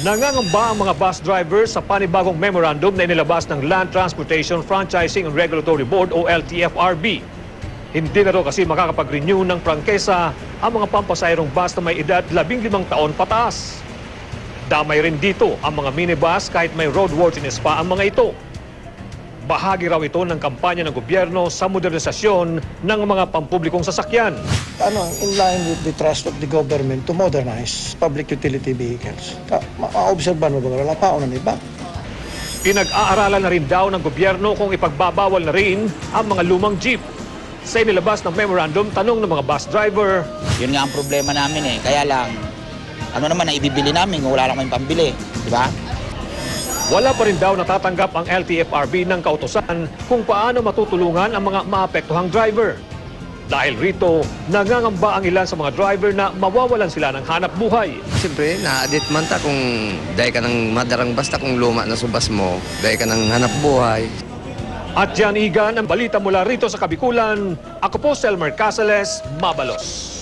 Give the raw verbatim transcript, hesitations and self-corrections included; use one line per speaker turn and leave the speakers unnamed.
Nangangamba ang mga bus drivers sa panibagong memorandum na inilabas ng Land Transportation Franchising and Regulatory Board o L T F R B. Hindi na raw kasi makakapag-renew ng prangkesa ang mga pampasayrong bus na may edad labing limang taon pataas. Damay rin dito ang mga minibus kahit may roadworthiness pa ang mga ito. Bahagi raw ito ng kampanya ng gobyerno sa modernisasyon ng mga pampublikong sasakyan.
Ano, in line with the trust of the government to modernize public utility vehicles. Ma-obserban mo ba? Wala pa ako ng iba.
Pinag-aaralan na rin daw ng gobyerno kung ipagbabawal na rin ang mga lumang jeep. Sa inilabas ng memorandum, tanong ng mga bus driver.
Yun nga ang problema namin eh. Kaya lang, ano naman na ibibili namin kung wala lang kaming pambili. Di ba?
Wala pa rin daw natatanggap ang L T F R B ng kautusan kung paano matutulungan ang mga maapektuhang driver. Dahil rito, nangangamba ang ilan sa mga driver na mawawalan sila ng hanap buhay.
Siyempre, na-adit man ta kung dahil ka ng madarang basta kung luma na subas mo, dahil ka ng hanap buhay.
At yan, Igan, ang balita mula rito sa Kabikulan. Ako po, Selmer Casales, Mabalos.